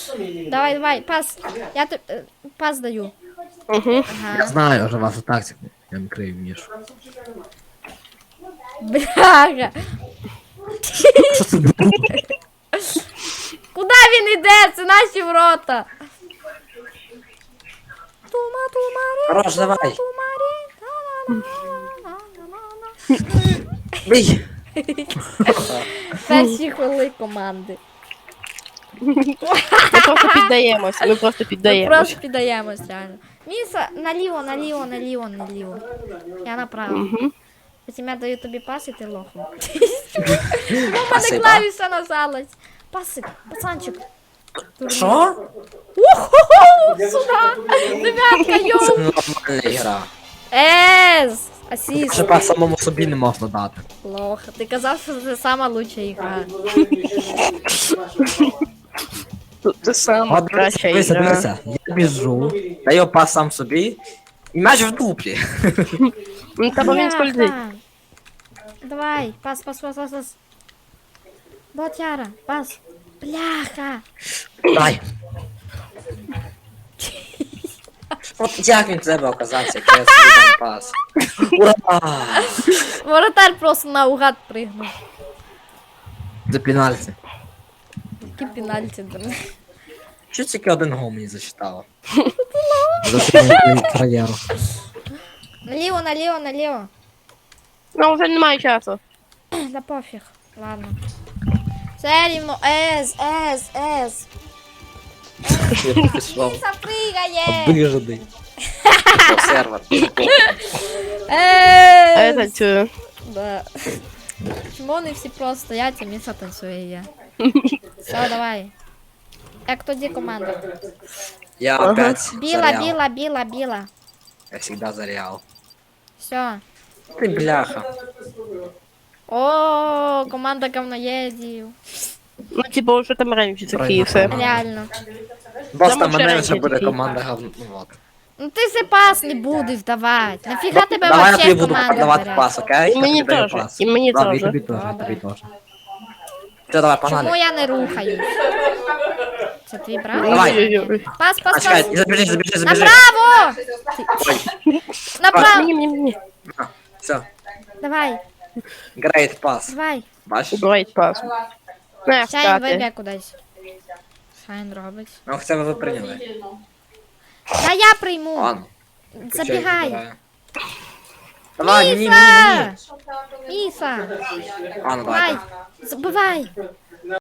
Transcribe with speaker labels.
Speaker 1: Давай, давай, пас. Я пас даю.
Speaker 2: Угу.
Speaker 3: Я
Speaker 1: Ага.
Speaker 3: знаю вже вашу тактику. Я не крию ніж.
Speaker 1: Бляха.
Speaker 3: Що це було?
Speaker 1: Куди він іде? Це наші ворота. Тума, тумарі,
Speaker 3: Хорош, давай.
Speaker 1: тумарі.
Speaker 3: Бий!
Speaker 1: Перші хвили команди.
Speaker 2: Ми просто піддаємось. Ми просто
Speaker 1: Ми
Speaker 2: піддаємось.
Speaker 1: просто піддаємось, реально. Міса, наліво, наліво, наліво, наліво. Я направо.
Speaker 2: Угу.
Speaker 1: Потім я даю тобі пас і ти лохом. У мене
Speaker 3: Спасибо.
Speaker 1: клавіша нажалась. Пасик, пацанчик.
Speaker 3: Що?
Speaker 1: Уху, сюда. Ребятка,
Speaker 3: Це
Speaker 1: йоу.
Speaker 3: нормальна гра.
Speaker 1: Ес, асіст.
Speaker 3: Вже по самому собі не можна дати.
Speaker 1: Плохо. Ти казав, що це сама лучша ігра.
Speaker 2: Це сама
Speaker 3: От
Speaker 2: краща
Speaker 3: дивися,
Speaker 2: ігра.
Speaker 3: дивися. Я біжу, даю пас сам собі, і м'яч в дуплі.
Speaker 2: Ну, та бо він скользить.
Speaker 1: Бляха. Давай, пас, пас, пас, пас, пас. Ботяра, пас. Бляха.
Speaker 3: Дай. От як він тебе оказався, як я собі дам пас. Ура!
Speaker 1: Воротар просто наугад пригнув.
Speaker 3: Це пенальті.
Speaker 1: Які пенальті, блин.
Speaker 3: Що тільки один гол мені зачитало? За свою кар'єру.
Speaker 1: Наліво, наліво, наліво.
Speaker 2: Ну, вже немає часу.
Speaker 1: Да пофіг. Ладно. Все рівно. Ес, ес, ес.
Speaker 3: Я пішов.
Speaker 1: Міса пригає.
Speaker 3: Обижений. Сервер.
Speaker 2: А я
Speaker 1: Ес.
Speaker 2: танцюю.
Speaker 1: Да. Чому вони всі просто стоять, а Міса танцює і я. Все, давай. Як тоді команда?
Speaker 3: Я опять за
Speaker 1: Біла,
Speaker 3: Реал.
Speaker 1: біла, біла, біла.
Speaker 3: Я всегда за Реал.
Speaker 1: Все.
Speaker 3: Ти бляха.
Speaker 1: О, команда говноєдів.
Speaker 2: Ну, типу, вже там раніше такі і все.
Speaker 1: Реально.
Speaker 3: Просто
Speaker 2: Там
Speaker 3: мене
Speaker 2: ще
Speaker 3: вже буде
Speaker 2: такі.
Speaker 3: команда говно. Ну от.
Speaker 1: Ну ти се пас не будеш давати. Нафіга тебе
Speaker 3: Давай я
Speaker 1: вообще
Speaker 3: тобі буду
Speaker 1: команда
Speaker 3: давати
Speaker 1: бере?
Speaker 3: пас, окей?
Speaker 2: І мені
Speaker 3: Я тобі даю
Speaker 2: теж,
Speaker 3: пас.
Speaker 2: і мені
Speaker 3: Ладно, і
Speaker 2: теж.
Speaker 3: тобі теж, і
Speaker 1: Добре.
Speaker 3: тобі теж. Все, давай,
Speaker 1: Чому
Speaker 3: погнали.
Speaker 1: я не рухаюсь? Це твій брат?
Speaker 3: Давай.
Speaker 2: Ой-ой-ой.
Speaker 1: Пас,
Speaker 3: А,
Speaker 1: пас,
Speaker 3: чекай,
Speaker 1: пас.
Speaker 3: забіжи, забіжи, забіжи.
Speaker 1: Направо! Направо!
Speaker 2: Мені.
Speaker 3: Все,
Speaker 1: Давай,
Speaker 3: грейт пас.
Speaker 1: давай.
Speaker 3: Бачиш?
Speaker 2: Great pass. Не,
Speaker 1: Шайн
Speaker 2: встати.
Speaker 1: виб'є кудись. Шайн робить.
Speaker 3: Ну, хоча б ви прийняли.
Speaker 1: Та я прийму.
Speaker 3: Ладно.
Speaker 1: Забігай.
Speaker 3: Давай, мені,
Speaker 1: Міса!
Speaker 3: мені.
Speaker 1: Міса!
Speaker 3: А, ну
Speaker 1: Давай!
Speaker 3: давай.
Speaker 1: Забивай!